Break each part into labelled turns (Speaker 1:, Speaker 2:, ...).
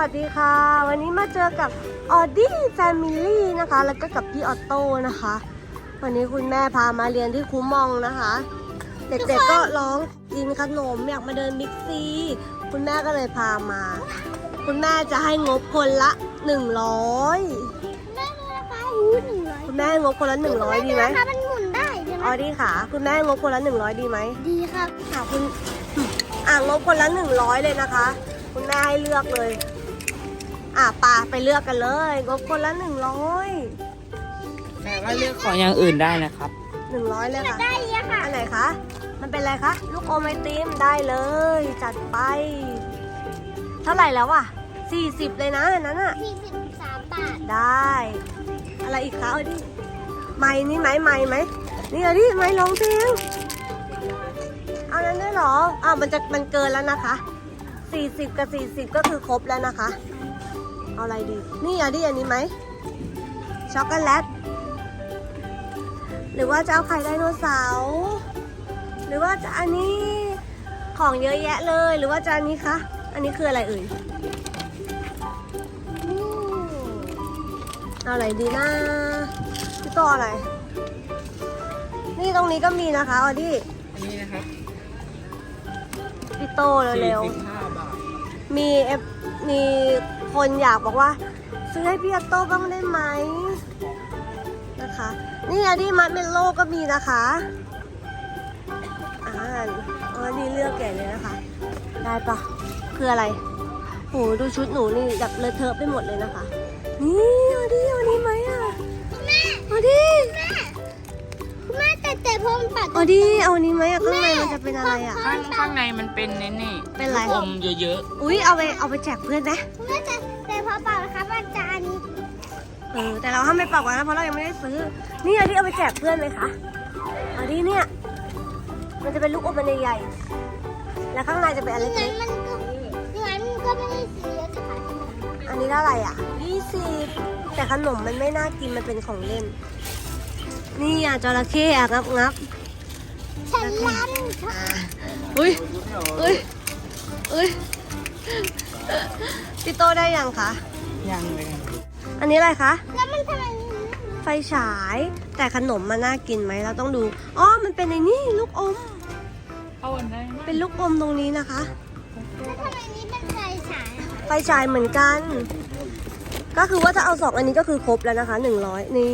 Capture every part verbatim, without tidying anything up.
Speaker 1: วัสดีค่ะวันนี้มาเจอกับออดี้แฟมิลี่นะคะแล้วก็กับพี่ออโต้นะคะวันนี้คุณแม่พามาเรียนที่คูมองนะคะเด็กๆก็ร้องกินขนมอยากมาเดินบิ๊กซีคุณแม่ก็เลยพามาคุณแม่จะให้งบคนละหนึ่งร้อย
Speaker 2: แม่ดูนะคะอู้หนึ่งร้อย
Speaker 1: คุณแม่งบคนละหนึ่งร้อยดีไหม
Speaker 2: คะมันหมุนได้ใช่ไหม
Speaker 1: ออดี้ค่ะคุณแม่งบคนละหนึ่งร้อยดีไหม
Speaker 2: ดีครับ
Speaker 1: ค่ะคุณอ่างบคนละหนึ่งร้อยเลยนะคะคุณแม่ให้เลือกเลยอ่ะปาไปเลือกกันเลยงบคนละหนึ่งร้อย
Speaker 3: แต่ว่าเลือกของอย่างอื่นได้นะครับ
Speaker 1: หนึ่งร้อยเลยค่ะ
Speaker 2: ได้เลยค่ะ
Speaker 1: อันไหนคะมันเป็นอะไรคะลูกอมไอติมได้เลยจัดไปเท่าไหร่แล้วอ่ะสี่สิบเลยนะอันนั้นอ่ะ
Speaker 2: สี่สิบสามบาท
Speaker 1: ได้อะไรอีกคะเอาดิไม้นี่ไหมไม้ไหมนี่เอาดิไม้ร้องเพลงเอานั้นได้หรออ่ะมันจะมันเกินแล้วนะคะสี่สิบกับสี่สิบก็คือครบแล้วนะคะเอาอะไรดีนี่เอาดิอันนี้ไหมช็อกโกแลตหรือว่าจะเอาไข่ไดโนเสาร์หรือว่าจะอันนี้ของเยอะแยะเลยหรือว่าจะอันนี้คะอันนี้คืออะไรเอ่ยเอาอะไรดีนะพี่โตอะไรนี่ตรงนี้ก็มีนะคะออดี้
Speaker 3: อันนี้นะครับ
Speaker 1: พี่โตเร็ว
Speaker 3: สี่สิบห้าบาท
Speaker 1: ๆมีเอฟมีคนอยากบอกว่าซื้อให้พี่โตบ้างได้ไหมนะคะนี่ออดี้มัดเมลโล่ก็มีนะคะอ่าอ๋อนี่เลือกแก่เลยนะคะได้ปะคืออะไรโหดูชุดหนูนี่แบบเลอะเทอะไปหมดเลยนะคะนี่ออดี้เอานี้ไหมอ่ะ
Speaker 2: แม่
Speaker 1: ออดี้
Speaker 2: แม่แม่แต่แต่พรมปัด
Speaker 1: ออดี้เอานี้ไหมอ่ะข้างในมันจะเป็นอะไรอ่ะ
Speaker 3: ข้างข้างในมันเป็นนี่นี่
Speaker 1: เป็นอะไร
Speaker 3: อมเยอะ
Speaker 1: ๆอุ้ยเอาไปเอาไปแจกเพื่อนไหม
Speaker 2: แม่แต่แต่พอเป่านะคะมันจะอันนี้
Speaker 1: เออแต่เราห้ามไม่เป่ากันนะเพราะเรายังไม่ได้ซื้อนี่ออดี้เอาไปแจกเพื่อนเลยค่ะออดี้เนี่ยมันจะเป็นลูกอมมันใหญ่ๆแล้วข้างในจะเป็นอะไร
Speaker 2: งั้
Speaker 1: เล็
Speaker 2: น
Speaker 1: ก
Speaker 2: มันก็งั้นก็ไม่ได้ซื้อเยอะจะขาย
Speaker 1: อันนี้เท่าไหร่อ่ะยี่สิบแต่ขนมมันไม่น่ากินมันเป็นของเล่นนี่อ่ะจระเข้อ่ะงับงับ
Speaker 2: ฉันล้ำ
Speaker 1: อุ้ยอุ้ยอุ้ยพี่โตได้ยังคะ
Speaker 3: ยังเลย
Speaker 1: อันนี้อะไรคะ
Speaker 2: แล้วมันทำไม
Speaker 1: ไฟฉายแต่ขนมมันน่ากินไหมเราต้องดูอ๋อมันเป็นในนี่ลูกอม
Speaker 3: เอาอันได้ไหม
Speaker 1: เป็นลูกอมตรงนี้นะคะ
Speaker 2: แล้วทำไมนี้เป็นไฟฉาย
Speaker 1: ไฟฉายเหมือนกัน ก็คือว่าถ้าเอาสองอันนี้ก็คือครบแล้วนะคะหนึ่งร้อยนี่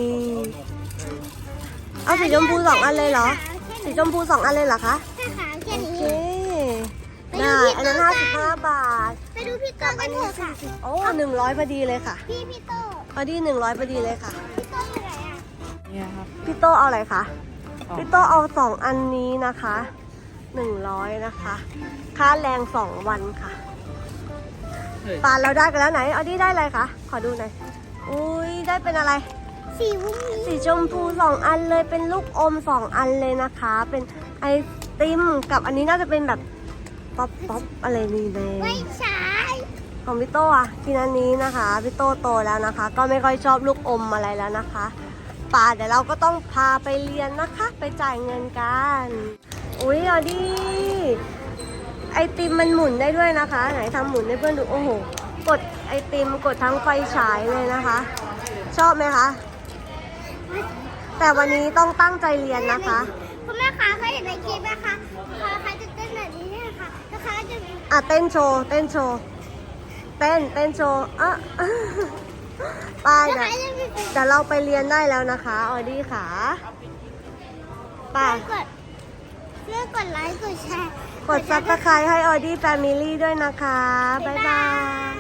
Speaker 1: เอาสีชมพูสองอันเลยเหรอสีชมพูสองอันเลยเหรอคะ
Speaker 2: แค่ขาวแค่
Speaker 1: โอ
Speaker 2: นี้
Speaker 1: เคได้อันนั้นห้าสิบห้าบาท
Speaker 2: ไปดูพี่โตกันเถอะค่ะ
Speaker 1: โอ้หนึ่งร้อยพอดีเลยค่ะ
Speaker 2: พี่พี่โต
Speaker 1: พอดีหนึ่งร้อยพอดีเลยค่ะ
Speaker 2: พี่โตอยู่ไหนอ่ะ
Speaker 3: เนี่ยครับ
Speaker 1: พี่โตเอาอะไรคะ
Speaker 3: อ๋อ
Speaker 1: พี่โตเอาสองอันนี้นะคะหนึ่งร้อยนะคะค่าแรงสองวันค่ะ
Speaker 3: เฮ้ย
Speaker 1: ปานเราได้กันแล้วไหนเอาดี้ได้อะไรคะขอดูหน่อยอุ้ยได้เป็นอะไร
Speaker 2: สีวุ้ง
Speaker 1: สีชมพูสองอันเลยเป็นลูกอมสองอันเลยนะคะ เป็นไอติมกับอันนี้น่าจะเป็นแบบป๊อปป๊อปอะไรนี่เลย
Speaker 2: ไม่ใช่
Speaker 1: ของพี่โตอ่ะกินอันนี้นะคะพี่โตโตแล้วนะคะ ก็ไม่ค่อยชอบลูกอมอะไรแล้วนะคะป่าเดี๋ยวเราก็ต้องพาไปเรียนนะคะ ไปจ่ายเงินกันอุ้ยออดี้ไอติมมันหมุนได้ด้วยนะคะ ไหนทำหมุนให้เพื่อนดูโอ้โหกดไอติมกดทั้งไฟฉายเลยนะคะ ชอบไหมคะแต่วันนี้ต้องตั้งใจเรียนนะคะ
Speaker 2: คุณแม่คะเคยเห็นในคลิปไหมคะเขาจะเต้นแบบนี้เนี่ยค่ะแล้วเขาจะ
Speaker 1: อ่ะเต้นโชว์เต้นโชว์เต้นเต้นโชว์อ่ะไปเดี๋ยวเดี๋ยวเราไปเรียนได้แล้วนะคะออดี้ค่ะไป
Speaker 2: กดเลือกกดไลค์กดแชร์
Speaker 1: กดซับสไครต์ให้ออดี้แฟมิลี่ด้วยนะคะบ๊ายบาย